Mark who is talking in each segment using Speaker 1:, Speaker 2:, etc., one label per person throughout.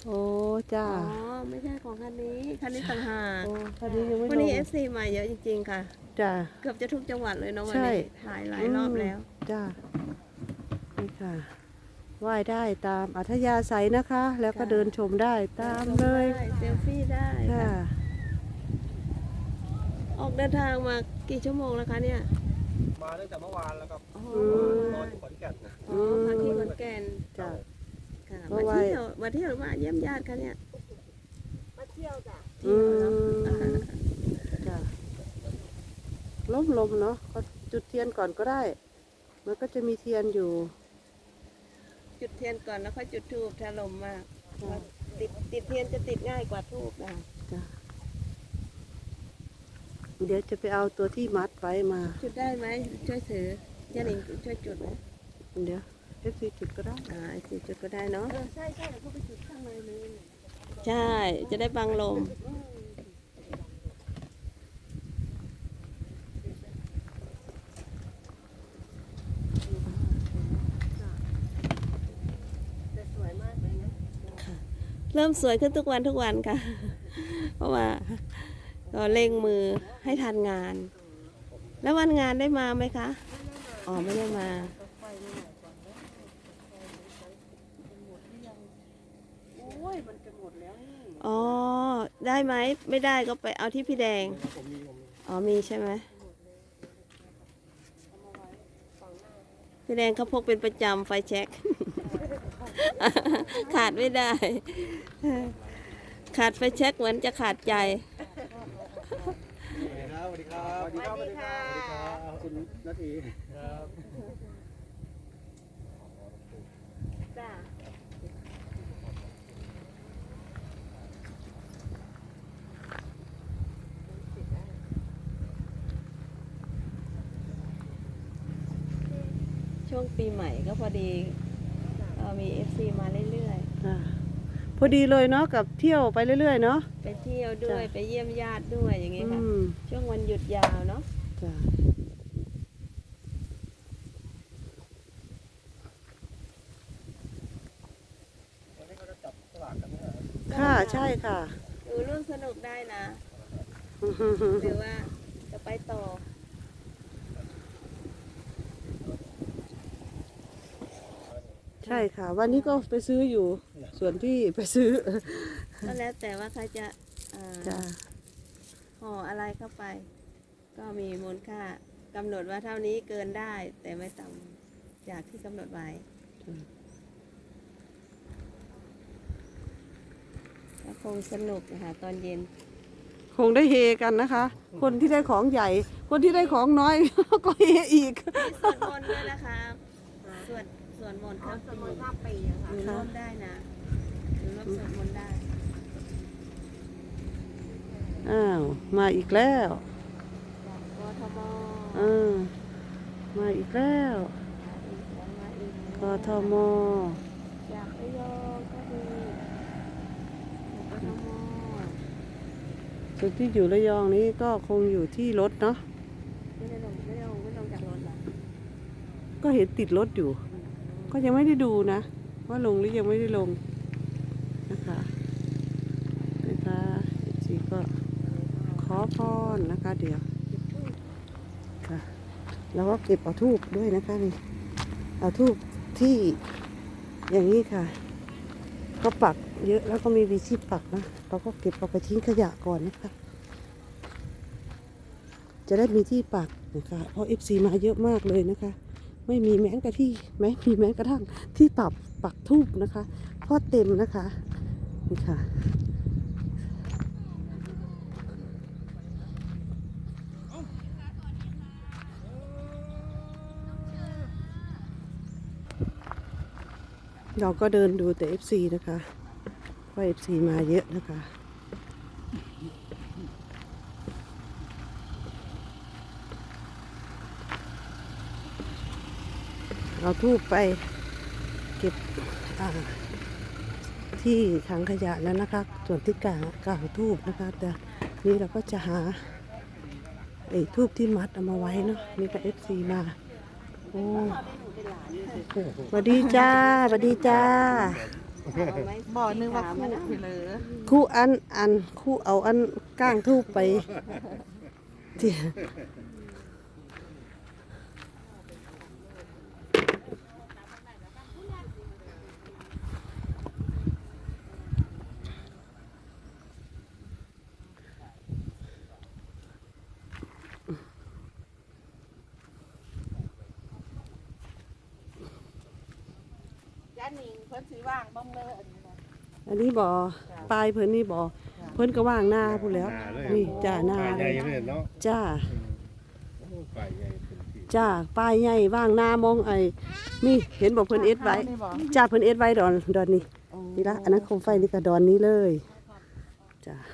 Speaker 1: โอ้จ้า
Speaker 2: อ๋อไม่ใช่ของคันนี้ต่างหาก
Speaker 1: โอ้คันนี้ยังไม่
Speaker 2: วัน
Speaker 1: ล
Speaker 2: นี้
Speaker 1: ง
Speaker 2: FC มาเยอะจริงๆค่ะ
Speaker 1: จ้า
Speaker 2: เกือบจะทุกจังหวัดเลยเนาะวัน
Speaker 1: ใช่
Speaker 2: นี้ถ่ายหลายรอบแล้ว
Speaker 1: จ้านี่ค่ะไหว้ได้ตามอัธยาศัยนะคะ แล้วก็
Speaker 2: ค่ะ
Speaker 1: เดินชมได้ตาม
Speaker 2: ช
Speaker 1: เลย
Speaker 2: ได้เซลฟี่ได้
Speaker 1: ค่ะ
Speaker 2: ค่ะ ออกเดินทางมากี่ชั่วโมงแล้วคะเนี่ย
Speaker 3: มาตั้งแต่เมื่อวานแล้วครับ
Speaker 2: อ๋อ
Speaker 3: รออยู่ขอนแก่นนะ
Speaker 2: อ๋อพักที่ขอนแก่น
Speaker 1: จ้า
Speaker 2: ค่ะ
Speaker 1: เพราะ
Speaker 2: มา
Speaker 1: ว่า
Speaker 2: เที่ยวหรือมาเยี่ยมญาติคะเนี่ย
Speaker 4: มาเที่ยวจ้ะ
Speaker 2: เที่ยวเนาะอ่า
Speaker 1: จ้าลมเนาะก็จุดเทียนก่อนก็ได้ มันก็จะมีเทียนอยู่
Speaker 2: จุดเทียนก่อนแล้วค่อยจุดธูปถ้าลมมาก
Speaker 1: ค่ะ
Speaker 2: ติดเทียนจะติดง่ายกว่าธูปนะคะ
Speaker 1: จ้าเดี๋ยวจะไปเอาตัวที่มัดไว้มา
Speaker 2: จุดได้ไหมช่วยถือย่าหนิงช่วยจุดไหม
Speaker 1: เดี๋ยวFC จุดก็ได้
Speaker 2: ไอ้สี่จุดก็ได้เนาะ
Speaker 4: ใช่เขาไปจุดข้างในเลย
Speaker 2: ใช่ จะได้บังลม
Speaker 4: แต่สวยมากเลยนะ
Speaker 2: เริ่มสวยขึ้นทุกวันค่ะ เพราะว่าก็เร่งมือให้ทันงาน แล้ววันงานได้มาไหมคะ อ๋อไม่ได้มา
Speaker 4: โอ้ยมันจะหมดแล้วนี่
Speaker 2: อ๋อ ได้ไหม ไม่ได้ก็ไปเอาที่พี่แดง
Speaker 3: ผมมี
Speaker 2: อ๋อมีใช่ไหม พี่แดงเขาพกเป็นประจำไฟแช็ก ขาดไม่ได้ ขาดไฟแช็กเหมือนจะขาดใจ
Speaker 3: สวัสดีครับสวัสดีครับสวัสดีครับสวัสดีครับคุณนาทีครับ
Speaker 4: จ้ะ
Speaker 2: ช่วงปีใหม่ก็พอดีมี FC มาเรื่อย
Speaker 1: อ่าพอดีเลยเนาะกับเที่ยวไปเรื่อยๆเนาะ
Speaker 2: ๆ ไปเที่ยวด้วย
Speaker 1: จ้ะ
Speaker 2: ไปเยี่ยมญาติด้วยอย่างงี้ค่ะ
Speaker 1: ม
Speaker 2: ช่วงวันหยุดยาวเนาะ
Speaker 1: จ้ะ
Speaker 3: วันนี้เขาจะจับสลากกันนะ
Speaker 1: ค่ะใช่ค่ะ
Speaker 2: ร่วมสนุกได้นะ หรือว่าจะไปต่อ
Speaker 1: ใช่ค่ะ วันนี้ก็ไปซื้ออยู่ ส่วนที่ไปซื้อ
Speaker 2: ก็แล้วแต่ว่าใครจะอ่า
Speaker 1: จ้ะ
Speaker 2: ห่ออะไรเข้าไป ก็มีมูลค่ากำหนดว่าเท่านี้เกินได้ แต่ไม่ต่ำจากที่กำหนดไว้ก็คงสนุกนะคะตอนเย็น
Speaker 1: คงได้เฮกันนะคะ คนที่ได้ของใหญ่ คนที่ได้ของน้อย ก็เฮอีก
Speaker 2: มีสวดมนต์ด้วยนะคะสวดมนต์ครับ
Speaker 4: สมุนข้ามปีอะค่ะ
Speaker 2: อยู่ร่วมได้นะอยู่ร่วมสวดมนต์ได้
Speaker 1: อ้าว มาอีกแล้ว
Speaker 2: จากกทม
Speaker 1: มาอีกแล้ว
Speaker 2: มาอีก
Speaker 1: กทม
Speaker 2: จากระยองก็มีจากกทม
Speaker 1: ส่วนที่อยู่ระยองนี้ก็คงอยู่ที่รถเนาะ
Speaker 2: ไม่ลงจากรถเหรอ
Speaker 1: ก็เห็นติดรถอยู่ ก็ยังไม่ได้ดูนะ ว่าลงหรือยังไม่ได้ลงนะคะจีก็ขอพรนะคะเดี๋ยวค่ะแล้วก็เก็บเอาทูบด้วยนะคะนี่เอาทูบที่อย่างนี้ค่ะ ก็ปักเยอะแล้วก็มีวิธีปักนะเราก็เก็บเอาไปทิ้งขยะก่อนนะคะจะได้มีที่ปักนะคะเพราะ FC มาเยอะมากเลยนะคะ ไม่มีแม้กระทั่งที่ปักทูบนะคะเพราะเต็มนะคะนี่ค่ะเราก็เดินดูแต่ FC นะคะเพราะ FC มาเยอะนะคะเอาทูบไปเก็บที่ถังขยะแล้วนะคะส่วนที่กลางทูบนะคะแต่นี่เราก็จะหาไอ้ทูบที่มัดเอามาไว้เนาะนี่ก็ FC มาโอ้สวัสดีจ้าสวัสดีจ้า
Speaker 4: บ่อนึงว่าคู่ไปเลย
Speaker 1: คู่อันคู่เอาอันก้างทูบไปที่
Speaker 4: ย่านิงเพิ่นสิว่างบ้างเลยอันนี้นะ
Speaker 1: อันนี้บ่อปลายเพิ่นนี่บ่อเพิ่นก็ว่างหน้าพูดแล้ว นี่จ้าหน้า
Speaker 3: ป่าให
Speaker 1: เล
Speaker 3: ญ่
Speaker 1: ย
Speaker 3: เลยเนาะ
Speaker 1: จ้า
Speaker 3: โอ้ป่าใหญ่เป็นที่
Speaker 1: จ้าป้ายใหญ่ว่างหน้ามองไอ้นี่เห็นบอกเพิ่นเอ็ดไว้จ้าเพิ่นเอ็ดไว้ดอนนี้นี่ละอันนั้นโคมไฟนี่ก็ดอนนี้เลยจ้า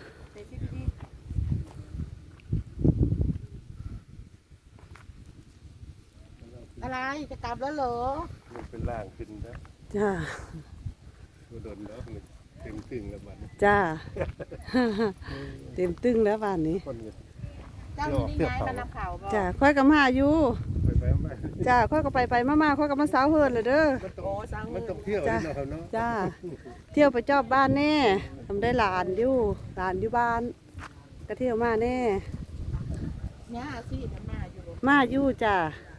Speaker 4: อะไรจะกลับแล้วเหรอ
Speaker 3: มันเป็นล่างขึ้นนะ
Speaker 1: จ้า
Speaker 3: ตัวดนแล้วมันเต็มตึงแล้วบัดนี้
Speaker 1: จ้า เต็มตึ้งแล้วบ้านนี้
Speaker 3: คนเนี่ย
Speaker 4: เจ้านี่ย้ายมานำข่าวบ่
Speaker 1: จ้าค่อยกับมาอยู่
Speaker 3: ไปมา
Speaker 1: จ้าค่อยก็ไปมาค่อยก็มาสาวเฮิร์นเลยเด้อ
Speaker 3: มันต้องเที่ยวนี่เนาะครับเนาะ
Speaker 1: จ้าเที่ยวไปจอบบ้านแน่ทำได้หลานอยู่บ้านก็เที่ยวมาแน่
Speaker 4: เนี่ยสิจะมาอยู่
Speaker 1: มาอยู่จ้า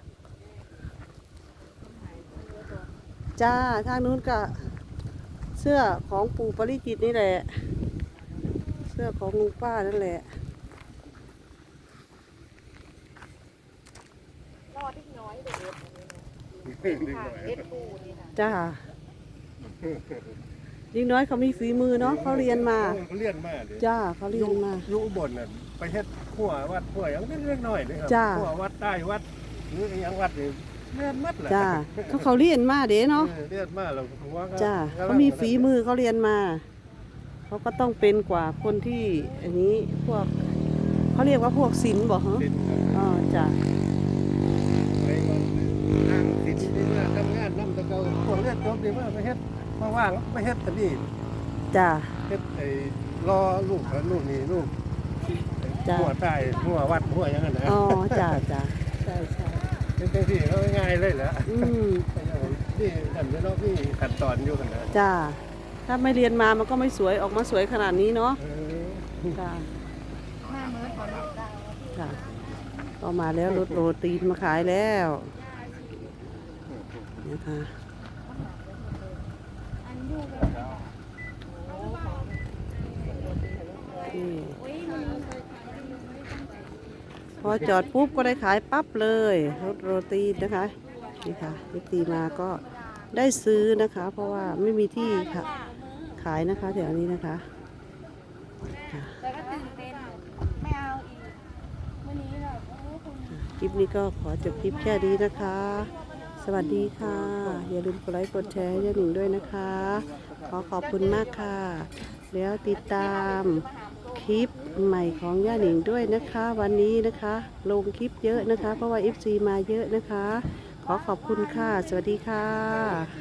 Speaker 1: จ้าทางนู้นก็เสื้อของปู่ปริจิตรนี่แหละ เสื้อของลุงป้านั่นแหละ
Speaker 4: รอดที่น้อยเด็ก
Speaker 3: ดีก
Speaker 4: ค่ะ
Speaker 3: ว่า
Speaker 4: เอ็ดปูนี่ค่ะ
Speaker 1: จ้ายิ่งน้อยเขามีฝีมือเนาะเขาเรียนมา
Speaker 3: เขาเรียนมาเลย
Speaker 1: จ้าเขาเรียนมา
Speaker 3: อยู่อุบลน่ะไปเฮ็ดขั่ววัดขั่วหยังเล็กๆน้อยๆเลยครั
Speaker 1: จ้า
Speaker 3: ขั่ววัดใต้วัดหรือหยังวัดนี่เรียนมัดแหละ
Speaker 1: จ้าเขาเรียนมาเด้เนาะ
Speaker 3: เรียนมาแล้วผมว่าก็
Speaker 1: จ้าเขามีฝีมือเขาเรียนมาเขาก็ต้องเป็นกว่าคนที่อันนี้พวกเขาเรียกว่าพวกศิลป์บอกเหรอ
Speaker 3: ศิลป์ครับ
Speaker 1: อ๋อจ้า
Speaker 3: ไปก่อนทางศิลป์นี่ว่าทำงานนำแตะเกาพวกเรียนจบนี่ว่าไปเฮ็ดมาว่างไปเฮ็ดอันนี้
Speaker 1: จ้า
Speaker 3: เฮ็ดไอ้รอลูกกับลูกนี่ลูก
Speaker 1: จ้า
Speaker 3: หัวใต้หัววัดหัวหยังนั้นนะ
Speaker 1: อ๋อจ้าจ้าใช่ใช่
Speaker 3: เป็นจังซี่เขาง่ายเลยแหละ
Speaker 1: อืม
Speaker 3: นี่นั่นเนาะพี่ขั้นตอนอยู่กันนะ
Speaker 1: จ้าถ้าไม่เรียนมามันก็ไม่สวยออกมาสวยขนาดนี้เนาะ
Speaker 3: เออ
Speaker 1: จ้า
Speaker 4: มาเมื่อก่อนเรา
Speaker 1: จ้าก็มาแล้วรถโรตีนมาขายแล้วนะคะนี่พอจอดปุ๊บก็ได้ขายปั๊บเลยรถโรตีนนะคะนี่ค่ะรถตีมาก็ได้ซื้อนะคะ เพราะว่าไม่มีที่ค่ะขายนะคะแถวนี้นะคะ
Speaker 4: แต่ก็ตื่นเต้นไม่เอาอีกวันนี้เราคุณ
Speaker 1: คลิปนี้ก็ขอจบคลิปแค่นี้นะคะ สวัสดีค่ะ อย่าลืมกดไลค์กดแชร์ให้ย่าหนิงด้วยนะคะ ขอขอบคุณมากค่ะ แล้วติดตามคลิปใหม่ของย่าหนิงด้วยนะคะ วันนี้นะคะ ลงคลิปเยอะนะคะ เพราะว่า FC มาเยอะนะคะ ขอขอบคุณค่ะ สวัสดีค่ะ